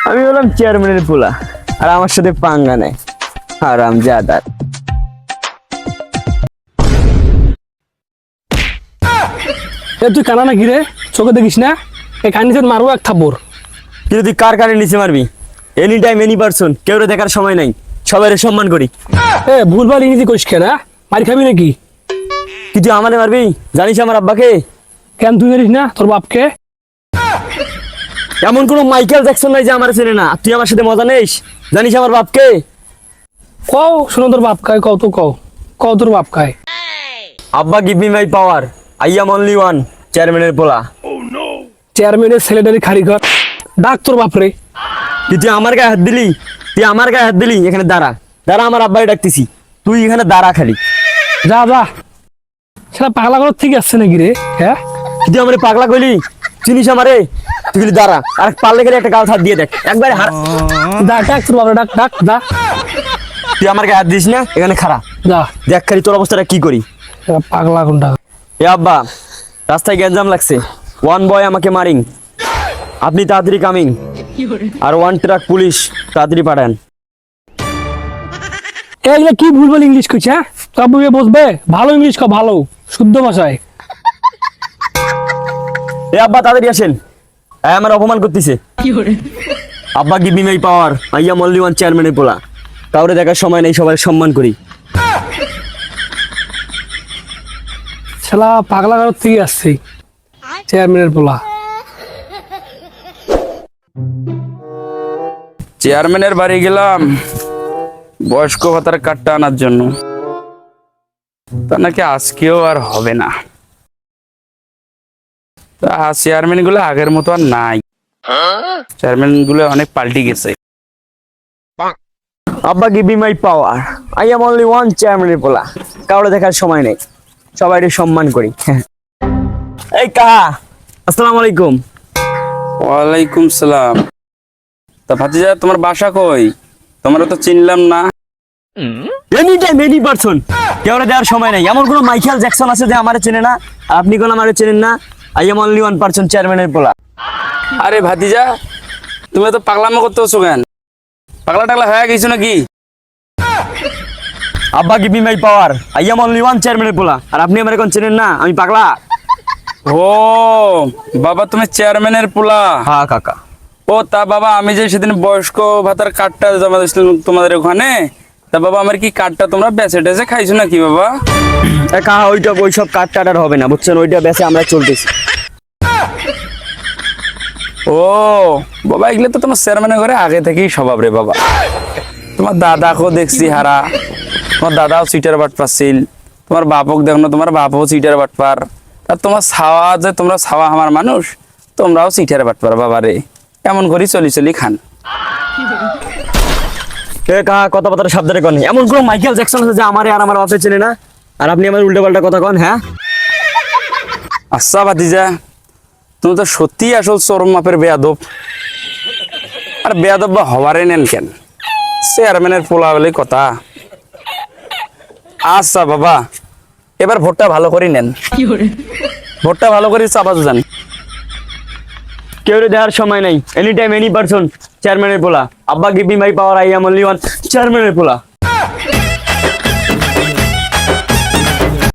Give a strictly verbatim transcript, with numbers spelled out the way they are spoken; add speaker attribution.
Speaker 1: আমি বললাম চেয়ারম্যানের পোলা, আর আমার সাথে পাঙ্গা নেয় হারামজাদা।
Speaker 2: এ তুই কানা নাকি রে? চোখে দেখিস না? এই কানিতে মারবো এক থাপ্পড়।
Speaker 1: কিন্তু তুই কার কানে নিচে মারবি? এনি টাইম এনি পারসন, কেউ দেখার সময় নাই, সবাই সম্মান করি।
Speaker 2: এ ভুলভাল ইংরেজি করিস কেন? মারি খাবি নাকি?
Speaker 1: কি তুই আমারে মারবি? জানিস আমার আব্বাকে?
Speaker 2: কেন তুই জানিস না তোর বাপকে?
Speaker 1: এমন কোন মাইকেল জ্যাকসন নাই যে আমার চেনে না। তুই আমার সাথে মজা নেস? জানিস আমার বাপকে?
Speaker 2: কও শোনো তোর বাপ কায়, কও তো কও, কও তোর বাপ কায়।
Speaker 1: আব্বা give me my power, I am only one, চেয়ারম্যানের পোলা।
Speaker 2: চেয়ারম্যানের ছেলেটারি খারিঘর, ডাক তোর বাপরে।
Speaker 1: কি তুই আমার গায়ে হাত দিলি? তুই আমার গায়ে হাত দিলি? এখানে দাঁড়া, দাঁড়া, আমার আব্বাই ডাকতেছি, তুই এখানে দাঁড়া খালি।
Speaker 2: যা যা, সেটা পাগলা ঘর থেকে আসছে নাকি রে? হ্যাঁ,
Speaker 1: কি তুই আমার পাগলা কইলি? চিনিস আমারে? তুই খালি দাঁড়া, আর পারলে গেলে একটা গাল হাত দিয়ে দেখ একবারে। হার
Speaker 2: ডাক ডাক তোর বাপরে, ডাক ডাক যা।
Speaker 1: তুই আমার গায়ে হাত দিস না, এখানে খাড়া
Speaker 2: যা,
Speaker 1: দেখ খালি তোর অবস্থাটা কি করি।
Speaker 2: পাগলা কোনটা?
Speaker 1: এ আব্বা, রাস্তায় গ্যাঞ্জাম লাগছে, ওয়ান বয় আমাকে মারিং, আপনি তাড়াতাড়ি কামিং, আর ওয়ান ট্রাক পুলিশ তাড়াতাড়ি পাঠান।
Speaker 2: এগুলো কি ভুলভাল ইংলিশ কইছে? হ্যাঁ, সব বসবে, ভালো ইংলিশ কও, ভালো শুদ্ধ ভাষায়।
Speaker 1: এ আব্বা তাড়াতাড়ি আসেন, এই আমার অপমান করতেছে। আব্বা give me my power, I am only one, চেয়ারম্যানের পোলা, কাউরে দেখার সময় নেই, সবাই সম্মান করি।
Speaker 2: শালা পাগলা ঘর থেকে আসছে, চেয়ারম্যানের পোলা।
Speaker 3: চেয়ারম্যানের বাড়ি গেলাম বয়স্ক ভাতার কার্ডটা আনার জন্য, তা নাকি আজকেও আর হবে না। তা চেয়ারম্যান গুলো আগের মতো আর নাই, চেয়ারম্যান গুলো অনেক পাল্টি গেছে।
Speaker 1: আব্বা give me my power, I am only one, চেয়ারম্যানের পোলা, কাউরে দেখার সময় নেই, সবাই সম্মান করি। এই কাহা, আসসালামু আলাইকুম।
Speaker 3: ওয়ালাইকুম সালাম। তা ভাতিজা তোমার বাসা কই? তোমরা তো চিনলাম না।
Speaker 1: এনি টাইম এনি পারসন, কেউরে দেওয়ার সময় নাই। এমন কোন মাইকেল জ্যাকসন আছে যে আমারে চেনে না? আর আপনি কোন আমারে চেনেন না? I am only one person, চেয়ারম্যানের পোলা।
Speaker 3: আরে ভাতিজা, তুমি তো পাগলামো করতেছো কেন? পাগলা টাগলা হয়ে গেছো নাকি?
Speaker 1: আব্বা give me my power, I am only one, চেয়ারম্যানের পোলা, আর আপনি আমারে কোন চেনেন না? আমি পাগলা?
Speaker 3: ও বাবা, তুমি চেয়ারম্যানের পোলা?
Speaker 1: হ্যাঁ কাকা।
Speaker 3: ও তা বাবা, আমি যে সেদিন বয়স্ক ভাতার কার্ডটা জমা দিয়েছিলাম তোমাদের ওখানে, তা বাবা আমার কি কার্ডটা তোমরা বেচে টেচে খাইছো নাকি বাবা?
Speaker 1: এ কাহা, ওইটা ওইসব কাট টাটার হবে না, বুঝছেন? ওইটা বেচে আমরা চলতেছি।
Speaker 3: ও বাবা, এগুলো তো তোমার চেয়ারম্যানের ঘরে আগে থেকেই স্বভাব রে বাবা। তোমার দাদাকেও দেখছি হারা, তোমার দাদাও সিটার বাট পাচ্ছিল, তোমার বাপক দেখো না, তোমার বাপও সিটার বাট পার, আর তোমার ছাওয়া যে তোমরা ছাওয়া আমার মানুষ, তোমরাও সিটার বাট পার বাবা রে। এমন করি চলি চলি খান।
Speaker 1: এ কাহা, কথা বার্তা সাবধানে কন। এমন কোন মাইকেল জ্যাকসন আছে যে আমারে আর আমার বাপে চেনে না? আর আপনি আমার উল্টো পাল্টা কথা কন। হ্যাঁ
Speaker 3: আচ্ছা ভাতিজা, তুমি তো সত্যি আসল চরম মাপের বেয়াদব। আর বেয়াদব বা হওয়ারে নেন কেন? চেয়ারম্যানের পোলা বলে কথা। আচ্ছা বাবা, এবার ভোটটা ভালো করে নেন, ভোটটা ভালো করে চাপা যান।
Speaker 1: কেউ দেওয়ার সময় নাই, এনি টাইম এনি পারসন, চেয়ারম্যানের পোলা। আব্বা give me my power, I am only one, চেয়ারম্যানের পোলা।